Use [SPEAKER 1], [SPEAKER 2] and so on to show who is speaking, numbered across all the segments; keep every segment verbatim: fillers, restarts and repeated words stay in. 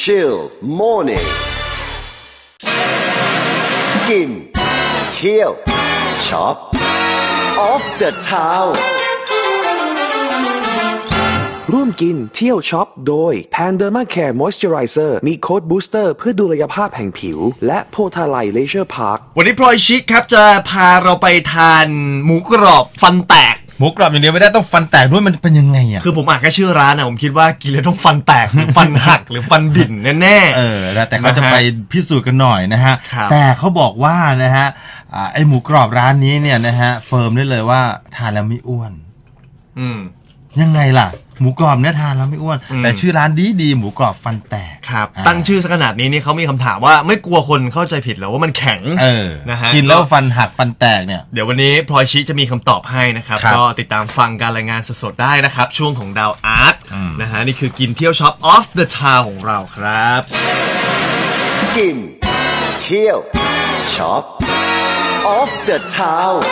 [SPEAKER 1] chill morning กินเที่ยวช็อป off the town
[SPEAKER 2] ร่วมกินเที่ยวช็อปโดย Panderma Care Moisturizer มีโค้ดบูสเตอร์เพื่อดูแลภาพแห่งผิวและโพธาไลเลเชอร์พาร์ค
[SPEAKER 3] วันนี้พลอยชิคครับจะพาเราไปทานหมูกรอบฟันแตก
[SPEAKER 4] หมูกรอบอย่างเดียวไม่ได้ต้องฟันแตกด้วยมันเป็นยังไงอ่ะ
[SPEAKER 3] คือผมอ่านแค่ชื่อร้านนะผมคิดว่ากินแล้วต้องฟันแตกหรือฟันหักหรือฟันบิ่นแน่ๆ
[SPEAKER 4] เออแต่เขาจะไปพิสูจน์กันหน่อยนะฮะแต่เขาบอกว่านะฮะไอหมูกรอบร้านนี้เนี่ยนะฮะเฟิร์มได้เลยว่าทานแล้วไม่อ้วน
[SPEAKER 3] อืม
[SPEAKER 4] ยังไงล่ะหมูกรอบเนี่ยทานแล้วไม่อ้วนแต่ชื่อร้านดีดีหมูกรอบฟันแตก
[SPEAKER 3] ครับตั้งชื่อขนาดนี้นี่เขามีคำถามว่าไม่กลัวคนเข้าใจผิดหรอว่ามันแข็ง
[SPEAKER 4] เออนะฮะกินแล้วฟันหักฟันแตกเนี่ย
[SPEAKER 3] เดี๋ยววันนี้พลอยชิจะมีคำตอบให้นะครับก็ติดตามฟังการรายงานสดๆได้นะครับช่วงของดาวอาร์ตนะฮะนี่คือกินเที่ยวช็อป off the town ของเราครับ
[SPEAKER 1] กินเที่ยวช็อป off the town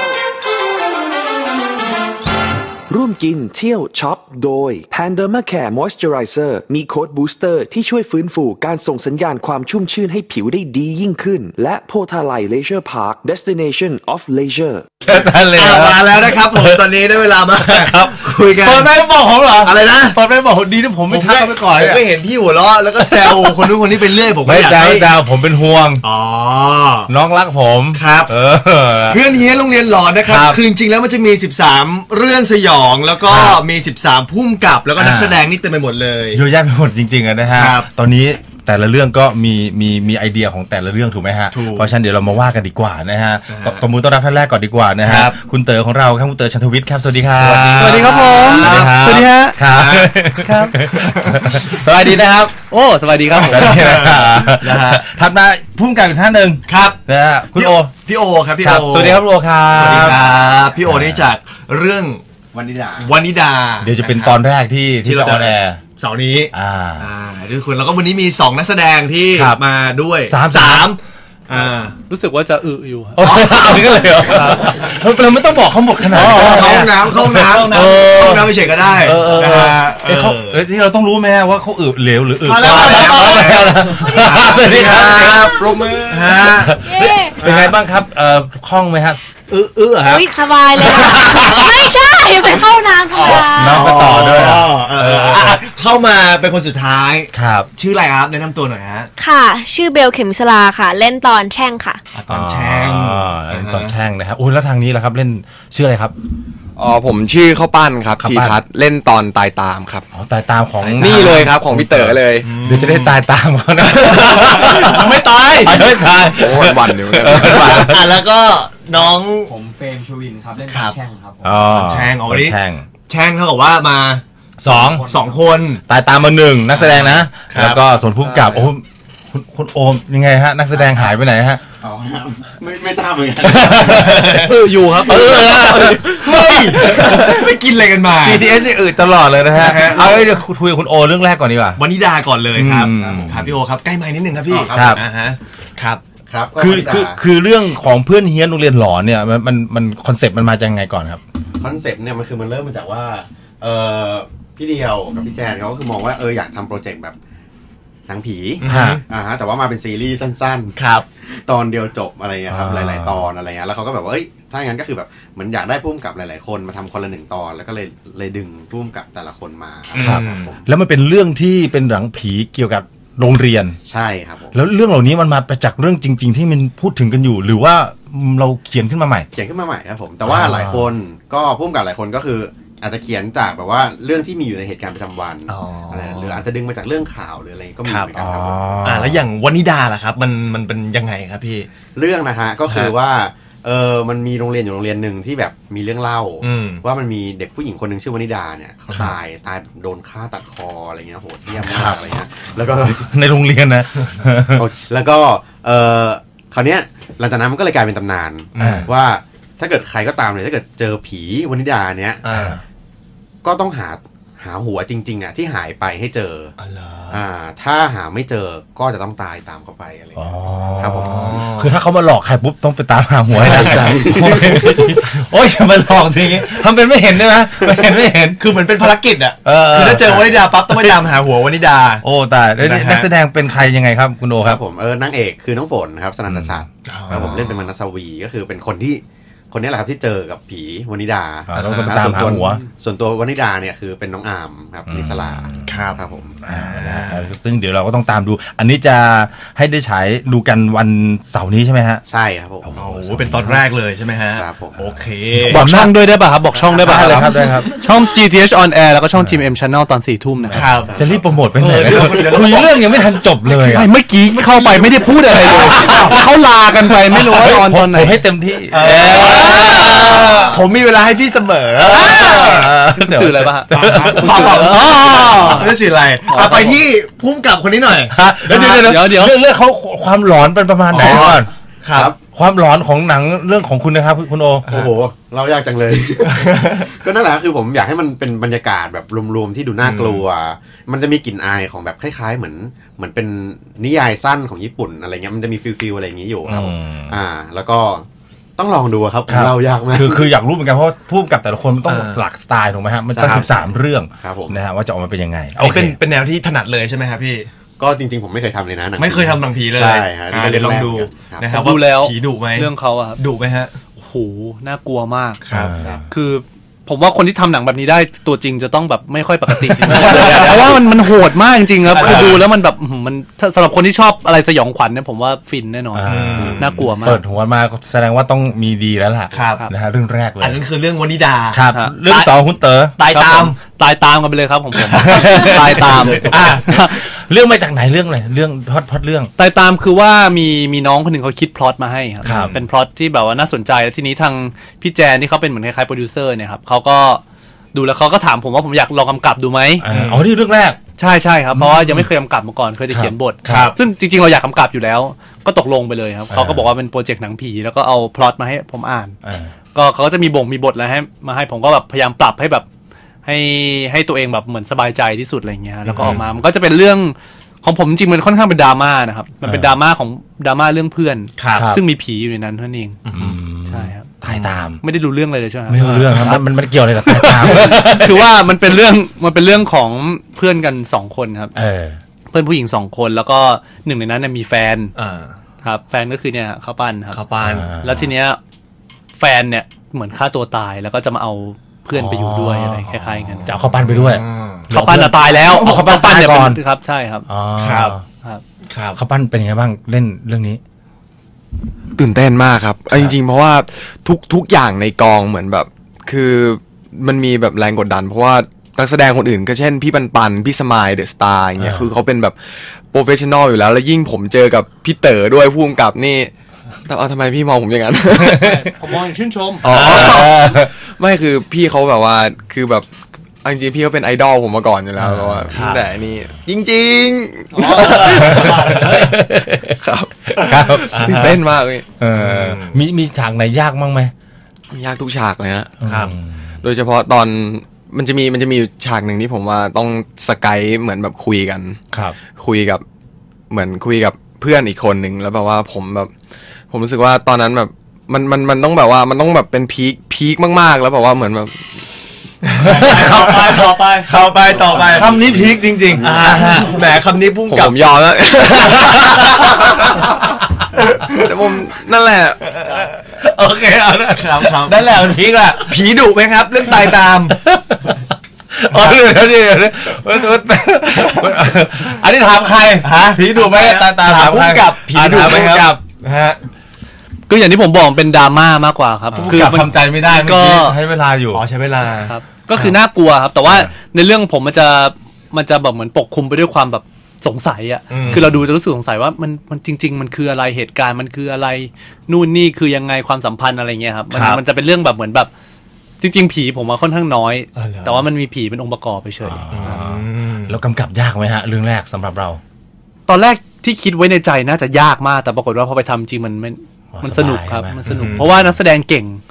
[SPEAKER 2] ร่วมกินเที่ยวช็อปโดย Panderma Care Moisturizer มีโค้ดบูสเตอร์ที่ช่วยฟื้นฟูการส่งสัญญาณความชุ่มชื่นให้ผิวได้ดียิ่งขึ้นและโพธาไลเลเชอร์พาร์ค Destination of Leisure
[SPEAKER 3] มาแล้วนะครับผมตอนนี้ได้เวลามาครับคุยกัน
[SPEAKER 4] ตอนไม่บอกผมเหรอ
[SPEAKER 3] อะไรนะ
[SPEAKER 4] ตอนไม่บอกดีที่ผมไม่ทักไปก่อน
[SPEAKER 3] ผมไม่เห็นพี่หัวเราะแล้วก็แซวคนนู้นคนนี้ไปเรื่อยผม
[SPEAKER 4] ไม่อยากให้ดาวผมเป็นห่วง
[SPEAKER 3] อ๋อ
[SPEAKER 4] น้องรักผม
[SPEAKER 3] ครับเออเพื่อนเฮียโรงเรียนหลอนนะครับคือจริงๆแล้วมันจะมีสิบสามเรื่องสยองแล้วก็มีสิบสามพุ่มกับแล้วก็นักแสดงนี่เต็มไปหมดเลย
[SPEAKER 4] เยอะแยะไปหมดจริงๆนะฮะตอนนี้แต่ละเรื่องก็มีมีมีไอเดียของแต่ละเรื่องถูกไหมฮะเพราะฉะนั้นเดี๋ยวเรามาว่ากันดีกว่านะฮะตบมือต้อนรับท่านแรกก่อนดีกว่านะฮะคุณเต๋อของเราครับคุณเต๋อชันทวิทย์ครับสวัสดีครับ
[SPEAKER 5] สวัสดีครับผมสวัสดีฮะ
[SPEAKER 4] ครับครับสวัสดีนะครับ
[SPEAKER 5] โอ้สวัสดีครับ
[SPEAKER 4] นะฮะถัดมาพุ่มกับอีกท่านหนึ่ง
[SPEAKER 3] ครับ
[SPEAKER 4] นะฮะคุณโอ
[SPEAKER 3] พี่โอครับพี่โอ
[SPEAKER 4] สวัสดีครับโอครับ
[SPEAKER 3] สวัสดีครับพี่โอนี่จากเรื่อง
[SPEAKER 6] วานิดา
[SPEAKER 3] วานิดา
[SPEAKER 4] เดี๋ยวจะเป็นตอนแรกที่ที่เราออนแอร์
[SPEAKER 3] เสาร์นี้
[SPEAKER 4] อ่า
[SPEAKER 3] อ่าทุกคนแล้วก็วันนี้มีสองนักแสดงที่มาด้วย
[SPEAKER 4] สาม
[SPEAKER 3] สามอ่า
[SPEAKER 5] รู้สึกว่าจะอึอยู่
[SPEAKER 4] อ๋อนี่ก็เลยเหรอเราไม่ต้องบอกเขาหมดขนาด
[SPEAKER 3] เข้าห้องน้ำเข้าห้องน้ำเข้าห้องน้ำไม่เฉยก็ได้
[SPEAKER 4] นะฮะเขาที่เราต้องรู้ไหมว่าเขาอึเหลวหรืออึ
[SPEAKER 3] สวัสดีครับปรบมือฮะ
[SPEAKER 4] เป็นไงบ้างครับเอ่อคล่องไหมฮะ
[SPEAKER 3] อื้ออื้อครับ
[SPEAKER 7] สบายเลยไม่ใช่ไปเข้าน้ำค่ะ
[SPEAKER 4] น้ำไปต่อด้วย
[SPEAKER 3] เข้ามาเป็นคนสุดท้าย
[SPEAKER 4] ครับ
[SPEAKER 3] ชื่ออะไรครับแนะนำตัวหน่อยฮะ
[SPEAKER 7] ค่ะชื่อเบลเข็มสลาค่ะเล่นตอนแช่งค่ะ
[SPEAKER 3] ตอนแช่ง
[SPEAKER 4] ตอนแช่งนะครับโอ้แล้วทางนี้ล่ะครับเล่นชื่ออะไรครับ
[SPEAKER 8] อ๋อผมชื่อข้าวปั้นครับทีทัศน์เล่นตอนตายตามครับ
[SPEAKER 4] อ๋อตายตามของ
[SPEAKER 8] นี่เลยครับของพี่เต๋อเลย
[SPEAKER 4] เดี๋ยวจะได้ตายตามเขานะ
[SPEAKER 3] ไม่ตาย
[SPEAKER 4] ไม่ตาย
[SPEAKER 8] โอ้วันอยู่กัน
[SPEAKER 3] อ่ะแล้วก็น้อง
[SPEAKER 6] ผมเฟรมชวินครับเล่นแช่งครับ
[SPEAKER 4] อ๋อ
[SPEAKER 3] แช่งอ๋อนี่
[SPEAKER 4] แช่ง
[SPEAKER 3] แช่งเท่ากับว่ามา
[SPEAKER 4] สอง
[SPEAKER 3] สองคน
[SPEAKER 4] ตายตามมาหนึ่งนักแสดงนะแล้วก็ส่วนผู้กำกับโอ้คุณคุณโอมยังไงฮะนักแสดงหายไปไหนฮะ
[SPEAKER 6] อ๋อไม่ไม่ทราบเหมือนกัน
[SPEAKER 5] เอออยู่ครับเออ
[SPEAKER 3] ไม่ไม่กินอะไรกันมา
[SPEAKER 4] ซี ที เอส นี่อืดตลอดเลยนะฮะเอาเดี๋ยวคุยกับคุณโอเรื่องแรกก่อนดีกว่าว
[SPEAKER 3] านิดาก่อนเลยครับครับพี่โอครับใกล้ไมค์นิดนึงครับพี่
[SPEAKER 4] ครับ
[SPEAKER 3] อ่าฮะครับ
[SPEAKER 6] ครับ
[SPEAKER 4] คือคือคือเรื่องของเพื่อนเฮี้ยนโรงเรียนหลอนเนี่ยมันมันมันคอนเซ็ปต์มันมาจากยังไงก่อนครับ
[SPEAKER 6] คอนเซ็ปต์เนี่ยมันคือมันเริ่มมาจากว่าเออพี่เดียวกับพี่แจนเขาก็คือมองว่าเอออยากทำโปรเจกต์แบบหนังผีอ่าฮะแต่ว่ามาเป็นซีรีส์สั้น
[SPEAKER 3] ๆครับ
[SPEAKER 6] ตอนเดียวจบอะไรเงี้ยครับหลายๆตอนอะไรเงี้ยแล้วเขาก็แบบว่าเอ้ยถ้าอย่างนั้นก็คือแบบเหมือนอยากได้พุ่มกับหลายๆคนมาทำคนละหนึ่งตอนแล้วก็เลยเลยดึงพุ่มกับแต่ละคนมา
[SPEAKER 4] ครับแล้วมันเป็นเรื่องที่เป็นหนังผีเกี่ยวกับโรงเรียน
[SPEAKER 6] ใช่ครับ
[SPEAKER 4] แล้วเรื่องเหล่านี้มันมาจากเรื่องจริงๆที่มันพูดถึงกันอยู่หรือว่าเราเขียนขึ้นมาใหม่
[SPEAKER 6] เขียนขึ้นมาใหม่ครับผมแต่ว่าหลายคนก็พุ่มกับหลายคนก็คืออาจจะเขียนจากแบบว่าเรื่องที่มีอยู่ในเหตุการณ์ประจำวันอะไรหรืออาจจะดึงมาจากเรื่องข่าวหรืออะไรก็มีเหมือนกันครับ
[SPEAKER 3] อ่าแล้วอย่างวานิดาล่ะครับมันมันเป็นยังไงครับพี่
[SPEAKER 6] เรื่องนะฮะก็คือว่าเออมันมีโรงเรียนอยู่โรงเรียนหนึ่งที่แบบมีเรื่องเล่าว่ามันมีเด็กผู้หญิงคนหนึ่งชื่อวานิดาเนี่ยเขาตายตายโดนฆ่าตัดคออะไรเงี้ยโหดเหี้ยมมากอะไรเงี้ยแล้วก็
[SPEAKER 4] ในโรงเรียนนะ
[SPEAKER 6] แล้วก็เออคราวเนี้ยหลังจากนั้นมันก็เลยกลายเป็นตำนานว่าถ้าเกิดใครก็ตามเลยถ้าเกิดเจอผีวานิดาเนี้ยก็ต้องหาหาหัวจริงๆอ่ะที่หายไปให้เจออ่าถ้าหาไม่เจอก็จะต้องตายตามเขาไปอะไรอย่างเงี้ยครับผม
[SPEAKER 4] คือถ้าเขามาหลอกใครปุ๊บต้องไปตามหาหัวให้ได้ใจโอ้ยจะมาหลอกสิทำเป็นไม่เห็นได้ไหมไม่เห็นไม่เห็น
[SPEAKER 3] คือเหมือนเป็นภารกิจอ่ะคือถ้าเจอวนิดาปั๊บต้องไปตามหาหัววนิดา
[SPEAKER 4] โอ้ตายนักแสดงเป็นใครยังไงครับคุณโอครับ
[SPEAKER 6] ผมเออนางเอกคือน้องฝนครับสนันทชัดครับผมเล่นเป็นมนัสวีก็คือเป็นคนที่คนนี้แหละครับที่เจอกับผีวนิดา
[SPEAKER 4] แล้วก็ตามหาหัว
[SPEAKER 6] ส่วนตัววนิดาเนี่ยคือเป็นน้องอามครับนิสลา
[SPEAKER 3] ครับ
[SPEAKER 6] ครับผม
[SPEAKER 4] ซึ่งเดี๋ยวเราก็ต้องตามดูอันนี้จะให้ได้ฉายดูกันวันเสาร์นี้ใช่ไหมฮะ
[SPEAKER 6] ใช่ครับผม
[SPEAKER 3] โอ้โหเป็นตอนแรกเลยใช่ไหมฮะ
[SPEAKER 6] ครับผม
[SPEAKER 3] โอเค
[SPEAKER 5] บอกช่องด้วยได้ป่ะครับบอกช่องได้ป่ะ
[SPEAKER 4] ได้ครับได้ครับ
[SPEAKER 5] ช่อง จี ที เอช on air แล้วก็ช่อง ที เอ็ม Channel ตอนสี่ทุ่มนะครับ
[SPEAKER 4] จะรีบโปรโมทไปไหนคุยเรื่องยังไม่ทันจบเลย
[SPEAKER 5] เมื่อกี้เข้าไปไม่ได้พูดอะไรเลยเขาลากันไปไม่รู้ว่าตอนตอนไหน
[SPEAKER 4] ให้เต็มที่
[SPEAKER 3] ผมมีเวลาให้พี่เสมอ
[SPEAKER 5] สื่ออะไรป่ะ
[SPEAKER 3] ไม่สื่ออะไรไปที่พุ่มกับคนนี้หน่อย
[SPEAKER 4] เดี๋ยวเดี๋ยวเดี๋ยวเรื่องเขาความหลอนเป็นประมาณไหนก่อน
[SPEAKER 3] ครับ
[SPEAKER 4] ความหลอนของหนังเรื่องของคุณนะครับคุณโอ
[SPEAKER 6] โอ้โหเรายากจังเลยก็นั่นแหละคือผมอยากให้มันเป็นบรรยากาศแบบรวมๆที่ดูน่ากลัวมันจะมีกลิ่นอายของแบบคล้ายๆเหมือนเหมือนเป็นนิยายสั้นของญี่ปุ่นอะไรเงี้ยมันจะมีฟิลๆอะไรอย่างนี้อยู่ครับอ่าแล้วก็ต้องลองดูครับเรายากมาก
[SPEAKER 4] คือคืออยากรู้เหมือนกันเพราะผู้กับแต่ละคนมันต้องหลักสไตล์ถูกไหมฮะมันตั้งสิบสามเรื่องนะฮะว่าจะออกมาเป็นยังไง
[SPEAKER 3] เป็นเป็นแนวที่ถนัดเลยใช่ไหมครับพี่
[SPEAKER 6] ก็จริงๆผมไม่เคยทำเลยนะ
[SPEAKER 3] ไม่เคยทำหนังผีเลย
[SPEAKER 6] ใช่ฮะ
[SPEAKER 3] เดี๋ยวลองดูนะครับ
[SPEAKER 5] ดูแล้ว
[SPEAKER 3] ผีดุไหม
[SPEAKER 5] เรื่องเขาอะ
[SPEAKER 3] ดุไหมฮะ
[SPEAKER 5] โหน่ากลัวมาก
[SPEAKER 3] ครับ
[SPEAKER 5] คือผมว่าคนที่ทำหนังแบบนี้ได้ตัวจริงจะต้องแบบไม่ค่อยปกติเพราะว่ามันมันโหดมากจริงๆครับคือดูแล้วมันแบบมันสำหรับคนที่ชอบอะไรสยองขวัญเนี่ยผมว่าฟินแน่นอนน่ากลัวมาก
[SPEAKER 4] เปิดหัวมาแสดงว่าต้องมีดีแล้วล่ะนะฮะเรื่องแรกเลย
[SPEAKER 3] อันนั้นคือเรื่องวนิดา
[SPEAKER 4] ครับเรื่องสองคุณเต๋อ
[SPEAKER 3] ตายตาม
[SPEAKER 5] ตายตามกันไปเลยครับผมผมตายตาม
[SPEAKER 4] เรื่องมาจากไหนเรื่องอะไรเรื่องพล็อตพล็อตเรื่อง
[SPEAKER 5] ตายตามคือว่ามีมีน้องคนหนึ่งเขาคิดพล็อตมาให้ครับเป็นพล็อตที่แบบว่าน่าสนใจแล้วทีนี้ทางพี่แจนที่เขาเป็นเหมือนคล้ายๆโปรดิวเซอร์เนี่ยครับเขาก็ดูแล้วเขาก็ถามผมว่าผมอยากลองกำกับดูไหม
[SPEAKER 4] อ๋อที่เรื่องแรก
[SPEAKER 5] ใช่ใช่ครับเพราะว่ายังไม่เคยกำกับมาก่อนเคยจะเขียนบทซึ่งจริงๆเราอยากกำกับอยู่แล้วก็ตกลงไปเลยครับเขาก็บอกว่าเป็นโปรเจกต์หนังผีแล้วก็เอาพล็อตมาให้ผมอ่านก็เขาก็จะมีบ่งมีบทอะไรให้มาให้ผมก็แบบพยายามปรับให้แบบให้ให้ตัวเองแบบเหมือนสบายใจที่สุดอะไรเงี้ยแล้วก็ออกมามันก็จะเป็นเรื่องของผมจริงมันค่อนข้างเป็นดราม่านะครับมันเป็นดราม่าของดราม่าเรื่องเพื่อนซึ่งมีผีอยู่ในนั้นเท่านั้นเองใช่ครับ
[SPEAKER 4] ตายตาม
[SPEAKER 5] ไม่ได้รู้เรื่องเลยใช่ไหม
[SPEAKER 4] ไม่รู้เรื่องครับมันมันเกี่ยวอะไรกับตายตาม
[SPEAKER 5] คือว่ามันเป็นเรื่องมันเป็นเรื่องของเพื่อนกันสองคนครับเพื่อนผู้หญิงสองคนแล้วก็หนึ่งในนั้นมีแฟนครับแฟนก็คือเนี่ยข้าวปั้นครับ
[SPEAKER 3] ข้าวปั้น
[SPEAKER 5] แล้วทีเนี้ยแฟนเนี่ยเหมือนฆ่าตัวตายแล้วก็จะมาเอาเพื่อนไปอยู่ด้วยอะไรคล้ายๆกัน
[SPEAKER 4] จะเอาข้าวปั้นไปด้วย
[SPEAKER 5] ข้าวปั้นตายแล้วเอาข้าวปั้นเนี่ยก่อนครับใช่ครับ
[SPEAKER 3] ครับ
[SPEAKER 5] ครับ
[SPEAKER 4] ข้าวปั้นเป็นไงบ้างเล่นเรื่องนี้
[SPEAKER 8] ตื่นเต้นมากครับจริงๆเพราะว่าทุกทุกอย่างในกองเหมือนแบบคือมันมีแบบแรงกดดันเพราะว่านักแสดงคนอื่นก็เช่นพี่ปันปันพี่สมายเดอะสตาร์อย่างเงี้ยคือเขาเป็นแบบโปรเฟชชั่นอลอยู่แล้วแล้วยิ่งผมเจอกับพี่เต๋อด้วยผู้กำกับนี่แต่เอาทำไมพี่มองผมอย่างนั้น
[SPEAKER 5] ผมมองอย่างชื่นชม
[SPEAKER 8] อ๋อไม่คือพี่เขาแบบว่าคือแบบจริงๆพี่เขาเป็นไอดอลผมมาก่อนอยู่แล้วเพราะว่าแต่นี่จริงๆครับครับตื่นเต้นมากเลย
[SPEAKER 4] มีมีฉากไหนยากมั้งไหม
[SPEAKER 8] ยากทุกฉากเลยฮะครับโดยเฉพาะตอนมันจะมีมันจะมีฉากหนึ่งที่ผมว่าต้องสกายเหมือนแบบคุยกัน
[SPEAKER 4] ครับ
[SPEAKER 8] คุยกับเหมือนคุยกับเพื่อนอีกคนหนึ่งแล้วแบบว่าผมแบบผมรู้สึกว่าตอนนั้นแบบมันมันมันต้องแบบว่ามันต้องแบบเป็นพีคพีคมากๆแล้วแบบว่าเหมือนแบบ
[SPEAKER 5] เข้าไปต่อไป
[SPEAKER 3] เข้าไปต่อไป
[SPEAKER 4] คำนี้พีคจริง
[SPEAKER 3] ๆแหมคำนี้พุ่งกลับ
[SPEAKER 8] ผมยอมแล้วแต่ผมนั่นแหละ
[SPEAKER 3] โอเคเอาละครับครับนั่นแหละมันพีคละผีดุไหมครับเรื่องตายตาม
[SPEAKER 4] อ๋อเดี๋ยวเดี๋ยวอันนี้ถามใครฮะผีดุไหมตายตาม
[SPEAKER 3] ถามพุ่งกับผีดุไหมครับฮะ
[SPEAKER 5] ก็อย่างที่ผมบอกเป็นดราม่ามากกว่าครับ
[SPEAKER 4] คือทำใจไม่ได้ก็ให้เวลาอยู่
[SPEAKER 3] อ๋อใช้เวลา
[SPEAKER 5] ครับก็คือน่ากลัวครับแต่ว่าในเรื่องผมมันจะมันจะแบบเหมือนปกคลุมไปด้วยความแบบสงสัยอ่ะคือเราดูจะรู้สึกสงสัยว่ามันมันจริงๆมันคืออะไรเหตุการณ์มันคืออะไรนู่นนี่คือยังไงความสัมพันธ์อะไรเงี้ยครับมันมันจะเป็นเรื่องแบบเหมือนแบบจริงๆผีผมว่าค่อนข้างน้อยแต่ว่ามันมีผีเป็นองค์ประกอบไปเฉย
[SPEAKER 4] แล้วกำกับยากไหมฮะเรื่องแรกสำหรับเรา
[SPEAKER 5] ตอนแรกที่คิดไว้ในใจน่าจะยากมากแต่ปรากฏว่าพอไปทำจริงมันมันมันสนุกครับมันสนุกเพราะว่านักแสดงเก่ง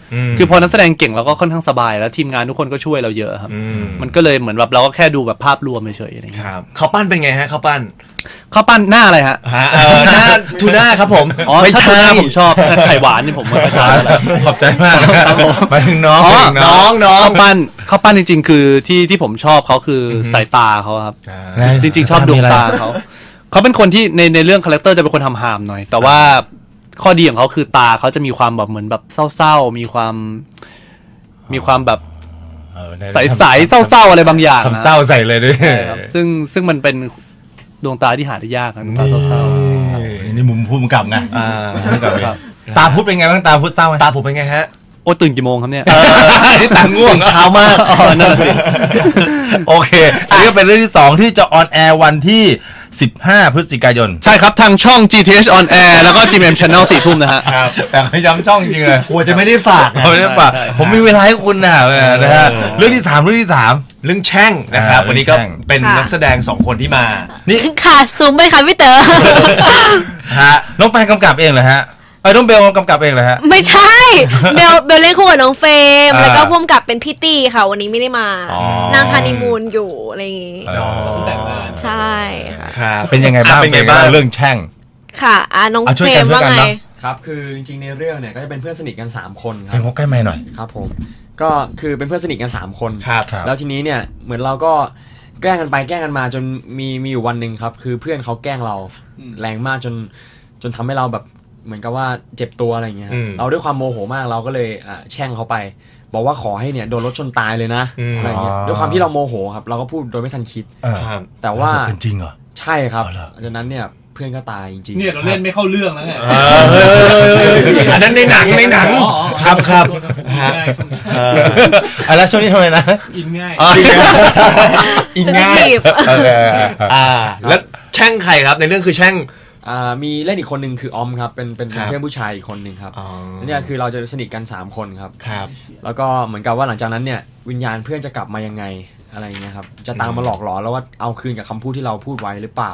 [SPEAKER 5] คือพอนักแสดงเก่งเราก็ค่อนข้างสบายแล้วทีมงานทุกคนก็ช่วยเราเยอะครับมันก็เลยเหมือนแบบเราก็แค่ดูแบบภาพรวมเฉยๆอะไรอย่างเงี้ย
[SPEAKER 3] ครับเขาปั้นเป็นไงฮะเขาปั้น
[SPEAKER 5] เขาปั้นหน้าอะไรฮะ
[SPEAKER 3] เออหน้าทูน่าครับผม
[SPEAKER 5] อ๋อไม่ใช่ผมชอบไข่หวานนี่ผมไม่ชอบ
[SPEAKER 4] ขอบใจมากไปถึงน้อง
[SPEAKER 3] น้องน้อง
[SPEAKER 5] เขาปั้นเขาปั้นจริงๆคือที่ที่ผมชอบเขาคือสายตาเขาครับจริงๆชอบดวงตาเขาเขาเป็นคนที่ในในเรื่องคาแรคเตอร์จะเป็นคนทำหามหน่อยแต่ว่าข้อดีของเขาคือตาเขาจะมีความแบบเหมือนแบบเศร้าๆมีความมีความแบบใสๆเศร้าๆอะไรบางอย่างนะ
[SPEAKER 4] เศร้าใส่เลยด้วย
[SPEAKER 5] ซึ่งซึ่งมันเป็นดวงตาที่หาได้ยากนะดวงตาเศร้า
[SPEAKER 4] ๆนี่มุมผู้กำกับไงตาพุทธเป็นไงบ้างตาพุทธเศร้าไหม
[SPEAKER 3] ตาผมเป็นไงฮะ
[SPEAKER 5] โอ้ตื่นกี่โมงครับเนี่ย
[SPEAKER 4] นี่ตาง่วง
[SPEAKER 3] เช้ามาก
[SPEAKER 5] อ๋อนั่นสิ
[SPEAKER 4] โอเคอันนี้ก็เป็นเรื่องที่สองที่จะออนแอร์วันที่สิบห้าพฤศจิกายน
[SPEAKER 5] ใช่ครับทางช่อง จี ที เอช On Air แล้วก็ จี เอ็ม Channel สี่ทุ่มนะฮะ
[SPEAKER 4] ครับแต่เขาย้ำช่องจริงเลย
[SPEAKER 3] กลัวจะไม่ได้ฝาก
[SPEAKER 4] ไม่ได้ฝากผมมีเวลาให้คุณนะนะฮะเรื่องที่สามเรื่องที่สาม
[SPEAKER 3] เรื่องแช่งนะครับวันนี้ก็เป็นนักแสดงสองคนที่มา
[SPEAKER 7] นี่ค่ะซูมไปค่ะพี่เต๋อ
[SPEAKER 4] ฮะน้องแฟนกำกับเองเหรอฮะเออน้องเบลกำกับเองเหรอฮะ
[SPEAKER 7] ไม่ใช่เบลเบลเล่นคู่กับน้องเฟรมแล้วก็พ่วงกับเป็นพี่ตี้ค่ะวันนี้ไม่ได้มานางฮันนีมูนอยู่อะไรอย่างงี้ใช่
[SPEAKER 4] ค่ะเป็นยังไงบ้างเป็นไงบ้างเรื่องแช่ง
[SPEAKER 7] ค่ะอ่าน้องเฟรมว่าไง
[SPEAKER 9] ครับคือจริงๆในเรื่องเนี่ยก็จะเป็นเพื่อนสนิทกันสามคนครับ
[SPEAKER 4] เฟรมเขาใกล้ไมค์หน่อย
[SPEAKER 9] ครับผมก็คือเป็นเพื่อนสนิทกันสามคน
[SPEAKER 4] ครับ
[SPEAKER 9] แล้วทีนี้เนี่ยเหมือนเราก็แกล้งกันไปแกล้งกันมาจนมีมีอยู่วันหนึ่งครับคือเพื่อนเขาแกล้งเราแรงมากจนจนทำให้เราแบบเหมือนกับว่าเจ็บตัวอะไรอย่างเงี้ยเราด้วยความโมโหมากเราก็เลยแช่งเขาไปบอกว่าขอให้เนี่ยโดนรถชนตายเลยนะอะไรเงี้ยด้วยความที่เราโมโหครับเราก็พูดโดยไม่ทันคิดแต่ว่า
[SPEAKER 4] เป็นจริงเหรอ
[SPEAKER 9] ใช่ครับจากนั้นเนี่ยเพื่อนก็ตายจริง
[SPEAKER 5] ๆเนี่ยเราเล่นไม่เข้าเรื่องแล้วไง
[SPEAKER 3] อันนั้นในหนังในหนังครับครับ
[SPEAKER 4] อะไรช่วงนี้ทำไมนะ
[SPEAKER 5] อินง่าย
[SPEAKER 3] อินง่ายอ่าแล้วแช่งใครครับในเรื่องคือแช่ง
[SPEAKER 9] มีเล่นอีกคนหนึ่งคือออมครับเป็นเป็นเพื่อนผู้ชายอีกคนหนึ่งครับเนี่ยคือเราจะสนิทกันสามคนครับ
[SPEAKER 3] ครับ
[SPEAKER 9] แล้วก็เหมือนกับว่าหลังจากนั้นเนี่ยวิญญาณเพื่อนจะกลับมายังไงอะไรเงี้ยครับจะตามมาหลอกหลอนแล้วว่าเอาคืนกับคำพูดที่เราพูดไว้หรือเปล่า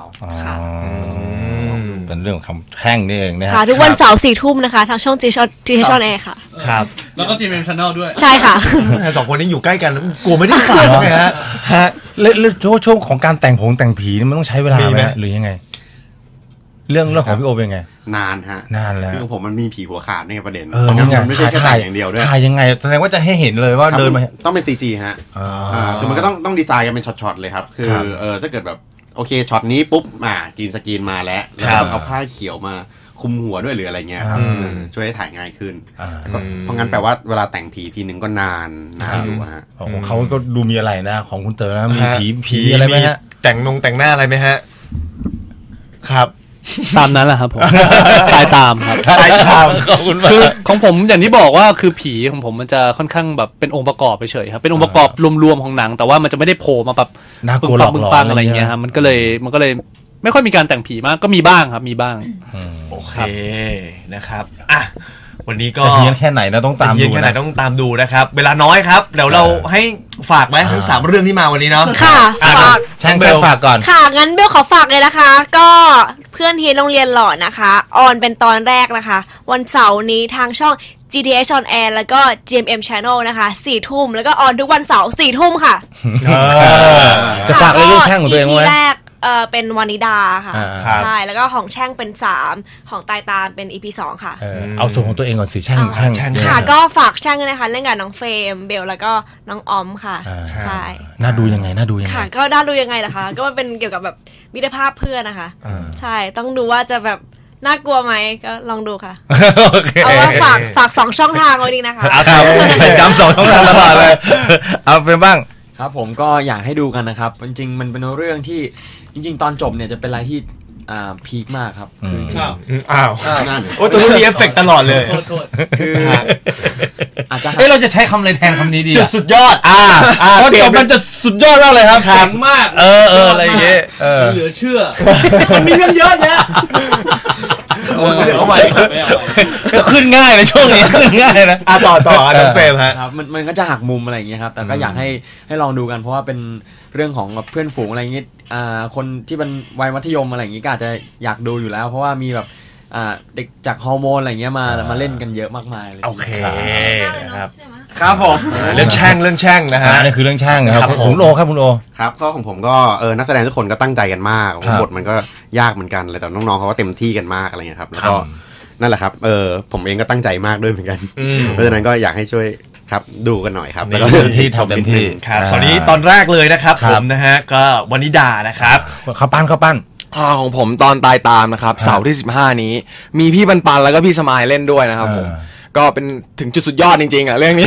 [SPEAKER 4] เป็นเรื่องของคำแช่งนี่เองนะ
[SPEAKER 7] ค่ะทุกวันเสาร์สี่ทุ่มนะคะทางช่อง จี เอช On Air ค่ะ
[SPEAKER 3] ครับ
[SPEAKER 5] แล้วก็ จี เอ็ม Channel ด้วย
[SPEAKER 7] ใช่ค่ะ
[SPEAKER 3] สองคนนี้อยู่ใกล้กันกลัวไม่ได้ฝากไงฮะ
[SPEAKER 4] ฮะแล้วช่วงของการแต่งผงแต่งผีนี่มันต้องใช้เวลาไหมหรือยังไงเรื่องเรื่องของพี่โอเป็นไง
[SPEAKER 6] นานฮะ
[SPEAKER 4] นานแล้ว
[SPEAKER 6] คือผมมันมีผีหัวขาดในประเด็น
[SPEAKER 4] มัน
[SPEAKER 6] ไม่ใช่แค่ถ่ายอย่างเดียวด้วย
[SPEAKER 4] ถ่ายยังไงแสดงว่าจะให้เห็นเลยว่าเดินมา
[SPEAKER 6] ต้องเป็น ซี จี ฮะคือมันก็ต้องต้องดีไซน์กันเป็นช็อตๆเลยครับคือเออถ้าเกิดแบบโอเคช็อตนี้ปุ๊บอ่าจีนสกรีนมาแล้วแล้วต้องเอาผ้าเขียวมาคุมหัวด้วยหรืออะไรเงี้ยครับช่วยให้ถ่ายง่ายขึ้นเพราะงั้นแปลว่าเวลาแต่งผีทีนึงก็นานนานอยู่ฮะ
[SPEAKER 4] เขาก็ดูมีอะไรนะของคุณเต๋อนะมีผีผีอะไรไหมฮะ
[SPEAKER 3] แต่งนงแต่งหน้าอะไรไหมฮะครับ
[SPEAKER 5] ตามนั้นแหละครับผมตายตามครับ
[SPEAKER 3] ตายตาม
[SPEAKER 5] คือของผมอย่างที่บอกว่าคือผีของผมมันจะค่อนข้างแบบเป็นองค์ประกอบไปเฉยครับเป็นองค์ประกอบรวมๆของหนังแต่ว่ามันจะไม่ได้โผล่มาแบบ
[SPEAKER 4] ปึ้งปัง
[SPEAKER 5] ปึ้งปังอะไรเงี้ยครับมันก็เลยมันก็เลยไม่ค่อยมีการแต่งผีมากก็มีบ้างครับมีบ้าง
[SPEAKER 3] โอเคนะครับอ่ะวันนี้ก็
[SPEAKER 4] เฮี้ยนแค่ไหนนะต้องตามดู
[SPEAKER 3] เฮี้ยนแค่ไหนต้องตามดูนะครับเวลาน้อยครับเดี๋ยวเราให้ฝากไหมทั้งสามเรื่องที่มาวันนี้เนาะ
[SPEAKER 7] ค่ะฝาก
[SPEAKER 4] แช่งเบลฝากก่อน
[SPEAKER 7] ค่ะงั้นเบลขอฝากเลยนะคะก็เพื่อนทีโรงเรียนหล่อนะคะออนเป็นตอนแรกนะคะวันเสาร์นี้ทางช่อง จี ที เอช On Air แล้วก็ จี เอ็ม เอ็ม Channel นะคะสี่ทุ่มแล้วก็ออนทุกวันเสาร์สี่ทุ่มค่ะ
[SPEAKER 4] จะฝากเรื่องแช่งของตัวเองไว้
[SPEAKER 7] เออเป็นวานิดาค่ะใช่แล้วก็ของแช่งเป็นสามของตายตามเป็น อี พี สองค่ะ
[SPEAKER 4] เอาส่วนของตัวเองก่อนสิแช่งแช่ง
[SPEAKER 7] ค่ะก็ฝากแช่งด้วยนะคะเล่นกับน้องเฟรมเบลแล้วก็น้องออมค่ะใช่
[SPEAKER 4] น่าดูยังไงน่าดูยังไง
[SPEAKER 7] ค่ะก็น่าดูยังไงล่ะคะก็มันเป็นเกี่ยวกับแบบมิตรภาพเพื่อนนะคะใช่ต้องดูว่าจะแบบน่ากลัวไหมก็ลองดูค่ะเอาว่าฝากฝากสองช่องทางไว้ดีนะคะ
[SPEAKER 4] ย้ำสองช่องทางตลอดเลยเอาเป็นบ้าง
[SPEAKER 9] ครับผมก็อยากให้ดูกันนะครับจริงๆมันเป็นเรื่องที่จริงๆตอนจบเนี่ยจะเป็นอะไรที่อ่าพีคมากครับคือ
[SPEAKER 3] อ้าวโอ้ตัวนี้มีเอฟเฟกต์ตลอดเลย
[SPEAKER 9] คือ
[SPEAKER 4] อาจจะเอ้เราจะใช้คำอะไรแทนคำนี้ดี
[SPEAKER 3] จุดสุดยอด
[SPEAKER 4] อ่าเพราะจบมันจะสุดยอดมากเลยครับ
[SPEAKER 5] แข็งมาก
[SPEAKER 4] เออเอออะไรอย่างเงี้ย
[SPEAKER 5] เหลือเชื่อ
[SPEAKER 3] มันมีเรื่องเยอะแยะ
[SPEAKER 4] เอาใหม่ขึ้นง่ายในช่วงนี้ขึ้นง่ายนะ
[SPEAKER 3] อ่ะต่อต่อน้องเฟรมฮะ
[SPEAKER 9] ครับมันมันก็จะหักมุมอะไรอย่างเงี้ยครับแต่ก็อยากให้ให้ลองดูกันเพราะว่าเป็นเรื่องของเพื่อนฝูงอะไรอย่างเงี้ยอ่าคนที่เป็นวัยมัธยมอะไรอย่างงี้ก็อาจจะอยากดูอยู่แล้วเพราะว่ามีแบบอ่าเด็กจากฮอร์โมนอะไรเงี้ยมามาเล่นกันเยอะมากมายเลย
[SPEAKER 3] โอเคครับ
[SPEAKER 9] ครับผม
[SPEAKER 3] เรื่องแช่งเรื่องแช่งนะฮะ
[SPEAKER 4] นี่คือเรื่องแช่งครับคุณโอครับคุณโอ
[SPEAKER 6] ครับก็ของผมก็เออนักแสดงทุกคนก็ตั้งใจกันมากบทมันก็ยากเหมือนกันเลยแต่น้องๆเขาก็เต็มที่กันมากอะไรเงี้ยครับแล้วก็นั่นแหละครับเออผมเองก็ตั้งใจมากด้วยเหมือนกันเพราะฉะนั้นก็อยากให้ช่วยครับดูกันหน่อยครับแล้วก็
[SPEAKER 4] ที่ทำเต็มที่
[SPEAKER 3] ครับตอนนี้ตอนแรกเลยนะครับผมนะฮะก็วนิดานะครับ
[SPEAKER 4] ข้าวปั้นข้าวปั้น
[SPEAKER 8] อ่าของผมตอนตายตามนะครับเสาร์ที่สิบห้านี้มีพี่ปันปันแล้วก็พี่สมายเล่นด้วยนะครับผมก็เป็นถึงจุดสุดยอดจริงๆอ่ะเรื่องนี้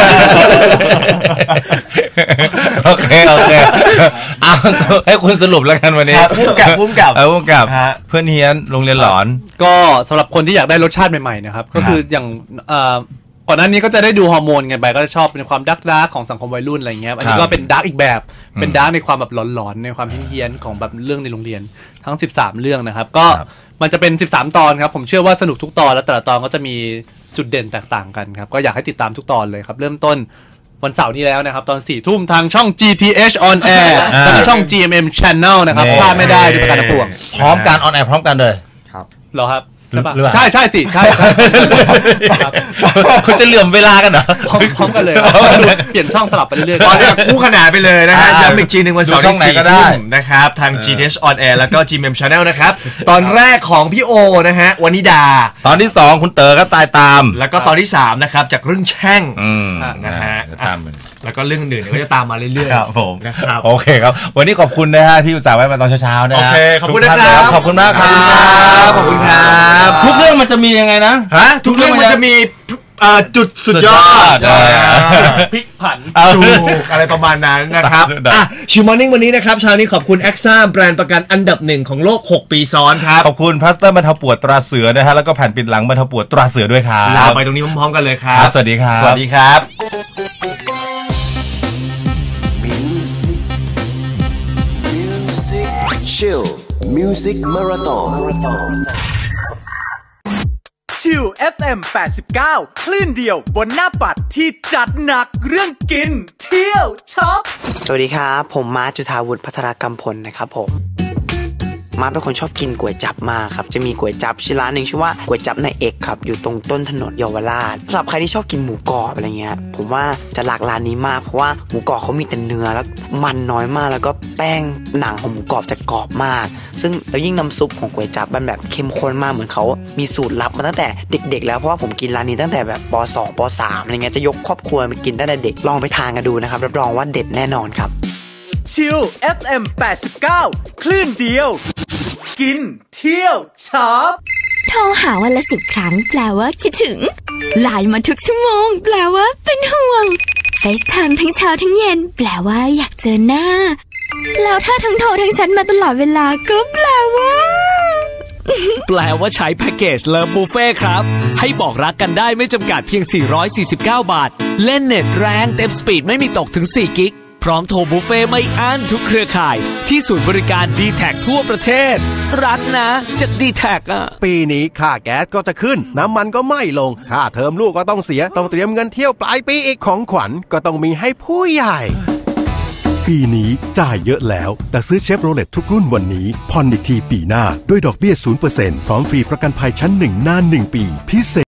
[SPEAKER 4] โอเคโอเคเอาให้คุณสรุปแล้วกันวันนี้
[SPEAKER 3] พุ่มกับพุ่มกับ
[SPEAKER 4] เออพุ่มกับเพื่อนเฮียนโรงเรียนหลอน
[SPEAKER 5] ก็สำหรับคนที่อยากได้รสชาติใหม่ๆนะครับก็คืออย่างก่อนหน้านี้ก็จะได้ดูฮอร์โมนกันไปก็จะชอบเป็นความดักดาร์กของสังคมวัยรุ่นอะไรเงี้ยอันนี้ก็เป็นดาร์กอีกแบบเป็นดาร์กในความแบบหลอนๆในความเฮี้ยนๆของแบบเรื่องในโรงเรียนทั้งสิบสามเรื่องนะครับก็มันจะเป็นสิบสามตอนครับผมเชื่อว่าสนุกทุกตอนแล้วแต่ละตอนก็จะมีจุดเด่นแตกต่างกันครับก็อยากให้ติดตามทุกตอนเลยครับเริ่มต้นวันเสาร์นี้แล้วนะครับตอนสี่ทุ่มทางช่อง จี ที เอช on air และช่อง จี เอ็ม เอ็ม Channel นะครับพลาดไม่ได้ด้วยประการทั้งปวง
[SPEAKER 4] พร้อมกัน on air พร้อมกันเลย
[SPEAKER 6] ครับ
[SPEAKER 5] เหรอครับใช่ป่ะใช่ใช่สิใช่
[SPEAKER 4] คุณจะเหลื่อมเวลากันเหรอ
[SPEAKER 5] พร้อมกันเลยเปลี่ยนช่องสลับไปเรื่อย
[SPEAKER 3] ๆตอนนี้คู่ขนานไปเลยนะฮะย้ำอีกทีหนึ่งวันเสาร์ที่สี่ทุ่มนะครับทาง จี ที เอช on air แล้วก็ จี เอ็ม Channel นะครับตอนแรกของพี่โอนะฮะวนิดา
[SPEAKER 4] ตอนที่สองคุณเต๋อก็ตายตาม
[SPEAKER 3] แล้วก็ตอนที่สามนะครับจากเรื่องแช่งนะฮะแล้วก็เรื่องอื่นก็จะตามมาเรื่อย
[SPEAKER 4] ๆครับผม
[SPEAKER 3] นะครับ
[SPEAKER 4] โอเคครับวันนี้ขอบคุณนะฮะที่อุตส่าห์ไว้มาตอนเช้าๆนะ
[SPEAKER 3] โอเคขอบคุณนะครับ
[SPEAKER 4] ขอบคุณมากครับ
[SPEAKER 3] ขอบคุณครับ
[SPEAKER 4] ทุกเรื่องมันจะมียังไงนะ
[SPEAKER 3] ฮะทุกเรื่องมันจะมีจุดสุดยอด
[SPEAKER 5] พลิกผัน
[SPEAKER 3] จูอะไรประมาณนั้นนะครับอ่ะชิวมอร์นิ่งวันนี้นะครับเช้านี้ขอบคุณ Axa แบรนด์ประกันอันดับหนึ่งของโลกหกปีซ้อนครับ
[SPEAKER 4] ขอบคุณพลาสเตอร์บรรเทาปวดตราเสือนะฮะแล้วก็แผ่นปิดหลังบรรเทาปวดตราเสือด้วยครับ
[SPEAKER 3] ลาไปตรงนี้พร้อมๆกันเลยครับ
[SPEAKER 4] สวัสดีครับ
[SPEAKER 3] สวัสดีครับ
[SPEAKER 1] Chill Music Marathon
[SPEAKER 10] ชิล เอฟ เอ็ม แปดสิบเก้า คลื่นเดียวบนหน้าปัดที่จัดหนักเรื่องกินเที่ยวช็อป
[SPEAKER 11] สวัสดีครับผมมาร์ค จุฑาวุฒิพัฒรกำพลนะครับผมมาร์คเป็นคนชอบกินก๋วยจั๊บมากครับจะมีก๋วยจั๊บชื่อร้านหนึ่งชื่อว่าก๋วยจั๊บนายเอกครับอยู่ตรงต้นถนนเยาวราชสำหรับใครที่ชอบกินหมูกรอบอะไรเงี้ยผมว่าจะหลักร้านนี้มากเพราะว่าหมูกรอบเขามีแต่เนื้อแล้วมันน้อยมากแล้วก็แป้งหนังของหมูกรอบจะกรอบมากซึ่งแล้วยิ่งน้ำซุปของก๋วยจั๊บมันแบบเข้มข้นมากเหมือนเขามีสูตรลับมาตั้งแต่เด็กๆแล้วเพราะว่าผมกินร้านนี้ตั้งแต่แบบป.สอง ป.สามอะไรเงี้ยจะยกครอบครัวมากินตั้งแต่เด็กลองไปทานกันดูนะครับรับรองว่าเด็ดแน่นอนครับ
[SPEAKER 10] ชิล เอฟ เอ็ม แปดสิบเก้า คลื่นเดียวกินเที่ยวช็อป
[SPEAKER 12] โทรหาวันละสิบครั้งแปลว่าคิดถึงไลน์มาทุกชั่วโมงแปลว่าเป็นห่วง FaceTime ทั้งเช้าทั้งเย็นแปลว่าอยากเจอหน้าแล้วถ้าทั้งโทรทั้งแชทมาตลอดเวลาก็แปลว่า
[SPEAKER 13] แปลว่าใช้แพ็กเกจเลิฟบุฟเฟ่ครับให้บอกรักกันได้ไม่จำกัดเพียงสี่ร้อยสี่สิบเก้าบาทเล่นเน็ตแรงเต็มสปีดไม่มีตกถึงสี่กิกพร้อมโทรบุฟเฟ่ไม่อั้นทุกเครือข่ายที่ศูนย์บริการ ดี แท็ก ทั่วประเทศรักนะจาก ดี แท็ก อ่ะ
[SPEAKER 14] ปีนี้ค่าแก๊สก็จะขึ้นน้ำมันก็ไม่ลงค่าเทอมลูกก็ต้องเสียต้องเตรียมเงินเที่ยวปลายปีอีกของขวัญก็ต้องมีให้ผู้ใหญ่ปีนี้จ่ายเยอะแล้วแต่ซื้อเชฟโรเลตทุกรุ่นวันนี้ผ่อนอีกทีปีหน้าด้วยดอกเบี้ย ศูนย์เปอร์เซ็นต์ พร้อมฟรีประกันภัยชั้นหนึ่งนานหนึ่งปีพิเศษ